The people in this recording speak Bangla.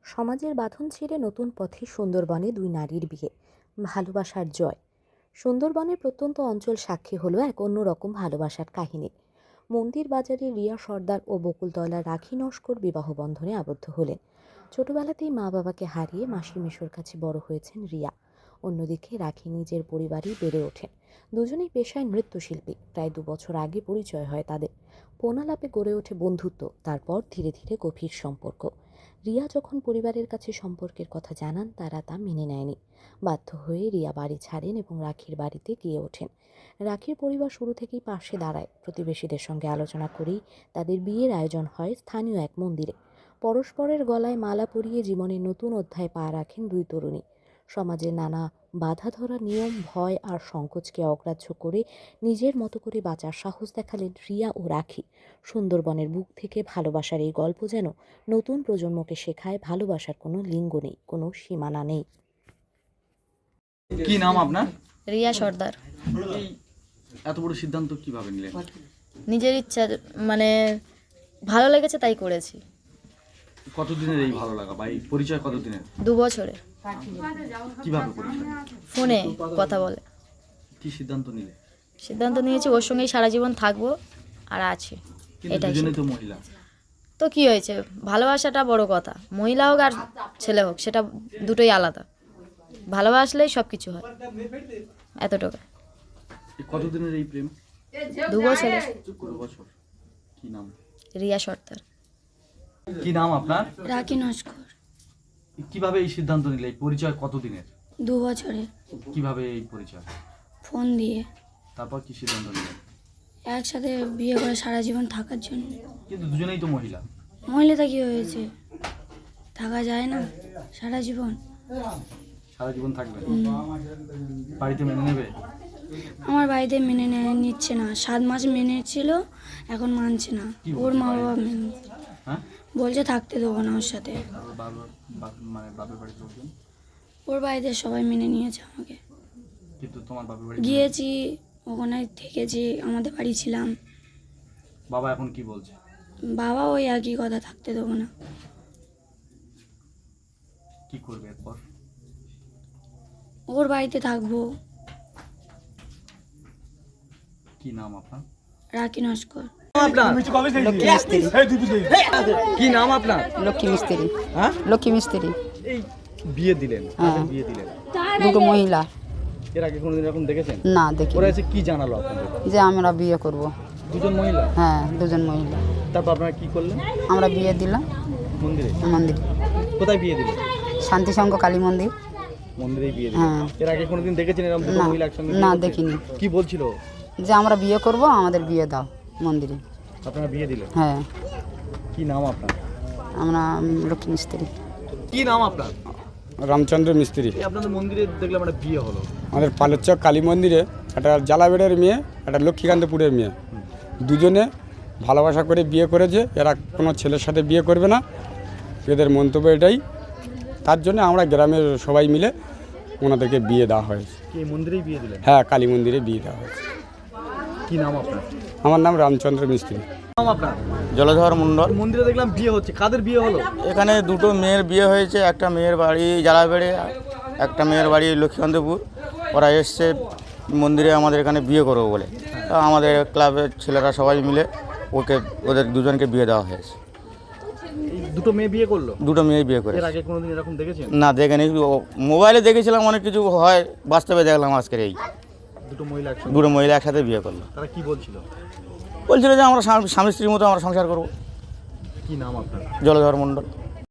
সমাজের বাঁধন ছিঁড়ে নতুন পথে সুন্দরবনে দুই নারীর বিয়ে, ভালোবাসার জয়। সুন্দরবনের প্রত্যন্ত অঞ্চল সাক্ষী হলো এক অন্যরকম ভালোবাসার কাহিনী। মন্দির বাজারে রিয়া সর্দার ও বকুলতলার রাখি নস্কর বিবাহ বন্ধনে আবদ্ধ হলেন। ছোটবেলাতেই মা বাবাকে হারিয়ে মাসি মেশোর কাছে বড় হয়েছেন রিয়া। অন্যদিকে রাখি নিজের পরিবারেই বেড়ে ওঠেন। দুজনেই পেশায় নৃত্যশিল্পী। প্রায় 2 বছর আগে পরিচয় হয় তাদের। পোনালাপে গড়ে ওঠে বন্ধুত্ব, তারপর ধীরে ধীরে গভীর সম্পর্ক। রিয়া যখন পরিবারের কাছে সম্পর্কের কথা জানান, তারা তা মেনে নেয়নি। বাধ্য হয়ে রিয়া বাড়ি ছাড়েন এবং রাখির বাড়িতে গিয়ে ওঠেন। রাখির পরিবার শুরু থেকেই পাশে দাঁড়ায়। প্রতিবেশীদের সঙ্গে আলোচনা করেই তাদের বিয়ের আয়োজন হয় স্থানীয় এক মন্দিরে। পরস্পরের গলায় মালা পরিয়ে জীবনের নতুন অধ্যায় পা রাখেন দুই তরুণী। সমাজের নানা বাধা ধরা নিয়ম, ভয় আর সংকোচকে অগ্রাহ্য করে নিজের মতো করে বাঁচার সাহস দেখালেন রিয়া ও রাখি। সুন্দরবনের বুক থেকে ভালোবাসার এই গল্প যেন নতুন প্রজন্মকে শেখায় ভালোবাসার কোনো লিঙ্গ নেই, কোনো সীমানা নেই। কি নাম আপনার? রিয়া সর্দার। এই এত বড় সিদ্ধান্ত কিভাবে নিলেন? নিজের ইচ্ছা, মানে ভালো লেগেছে তাই করেছি। কতদিনের এই ভালো লাগা বা এই পরিচয় কতদিনের? 2 বছরে। কিভাবে পরিচয়? ফোনে কথা বলে। কি সিদ্ধান্ত নিলে? সিদ্ধান্ত নিয়েছি ওর সঙ্গেই সারা জীবন থাকবো আর আছি। কিন্তু এটাই দুজনেই তো মহিলা। তো কি হয়েছে, ভালোবাসাটা বড় কথা। মহিলা হোক আর ছেলে হোক, সেটা দুটোই আলাদা। ভালোবাসলেই সব কিছু হয়, এতটুকু। কতদিনের এই প্রেম? 2 বছরে। 2 বছর। কি নাম? রিয়া সর্দার। কি নাম আপনার? রাখি নস্কর। কিভাবে এই সিদ্ধান্ত নিলে? এই পরিচয় কতদিনের? 2 বছরে। কিভাবে এই পরিচয়? ফোন দিয়ে। তারপর কি সিদ্ধান্ত নিলেন? একসাথে বিয়ে করে সারা জীবন থাকার জন্য। কিন্তু দুজনেই তো মহিলা। মহিলাটা কি হয়েছে, থাকা যায় না সারা জীবন? সারা জীবন থাকবে? বাড়িতে মেনে নেবে? আমার বাড়িতে মেনে নিচ্ছে না। 7 মাস মেনেছিল, এখন মানছে না। ওর মা বাবা মেনে হ্যাঁ, বলছে থাকতে দেবো না ওর সাথে। মানে বাপের বাড়িতে লোকজন? ওর বাড়িতে সবাই মেনে নিয়েছে আমাকে। কিন্তু তোমার বাপের বাড়ি? গিয়েছি, ওখানে থেকেছি, আমাদের বাড়ি ছিলাম। বাবা এখন কি বলছে? বাবা ওই একই কথা, থাকতে দেবো না। কি করবে এরপর? ওর বাড়িতে থাকবো। কি নাম আপনার? রাখি নস্কর। কি নাম আপনার? লক্ষ্মী মিস্ত্রি। হ্যাঁ, লক্ষ্মী মিস্ত্রি। এই বিয়ে দিলেন, কাকে বিয়ে দিলেন? দুটো মহিলা। এর আগে কোনোদিন এরকম দেখেছেন? না দেখি। ওরা এসে কি জানালো আপনাদের? যে আমরা বিয়ে করব। দুজন মহিলা? হ্যাঁ, দুজন মহিলা। তারপর আপনারা কি করলেন? আমরা বিয়ে দিলাম মন্দিরে? মন্দির, কোথায় বিয়ে দিলেন? শান্তি সংঘ কালী মন্দির। মন্দিরেই বিয়ে দিলেন? হ্যাঁ। এর আগে কোনোদিন দেখেছেন এরকম দুটো না, মহিলা একসঙ্গে? না বিয়ে করতে? দেখিনি। কি বলছিল? যে আমরা বিয়ে করব, আমাদের বিয়ে দাও মন্দিরে। আপনারা বিয়ে দিলেন? হ্যাঁ। কি নাম আপনার? আমরা লক্ষ্মী মিস্ত্রি। কি নাম আপনার? রামচন্দ্র মিস্ত্রি। এই আপনাদের মন্দিরে দেখলাম একটা বিয়ে হলো। আমাদের পালেরচক কালী মন্দিরে একটা জালাবেড়ের মেয়ে, একটা লক্ষ্মীকান্তপুরের মেয়ে, দুজনে ভালোবাসা করে বিয়ে করেছে। এরা কোনো ছেলের সাথে বিয়ে করবে না, এদের মন্তব্য এটাই। তার জন্য আমরা গ্রামের সবাই মিলে ওনাদেরকে বিয়ে দেওয়া হয়েছে। কি এই মন্দিরেই বিয়ে দিলেন? হ্যাঁ, কালী মন্দিরে বিয়ে দেওয়া হয়েছে। কি নাম আপনার? আমার নাম রামচন্দ্র মিস্ত্রি। নাম আপনার? জলধর মণ্ডল। মন্দিরে দেখলাম বিয়ে হচ্ছে, কাদের বিয়ে হলো? এখানে দুটো মেয়ের বিয়ে হয়েছে। একটা মেয়ের বাড়ি জালাবেড়ে, একটা মেয়ের বাড়ি লক্ষ্মীকান্তপুর। ওরা এসছে মন্দিরে আমাদের এখানে বিয়ে করবো বলে। তা আমাদের ক্লাবের ছেলেরা সবাই মিলে ওদের দুজনকে বিয়ে দেওয়া হয়েছে। এই দুটো মেয়ে বিয়ে করলো? দুটো মেয়ে বিয়ে করে। এর আগে কোনোদিন এরকম দেখেছেন? না দেখেনি, মোবাইলে দেখেছিলাম অনেক কিছু হয়, বাস্তবে দেখলাম আজকের এই দুটো মহিলা একসাথে বিয়ে করলো। তারা কি বলছিল? বলছিল যে আমরা স্বামী স্ত্রীর মতো আমরা সংসার করবো। কি নাম আপনার? জলধর মণ্ডল।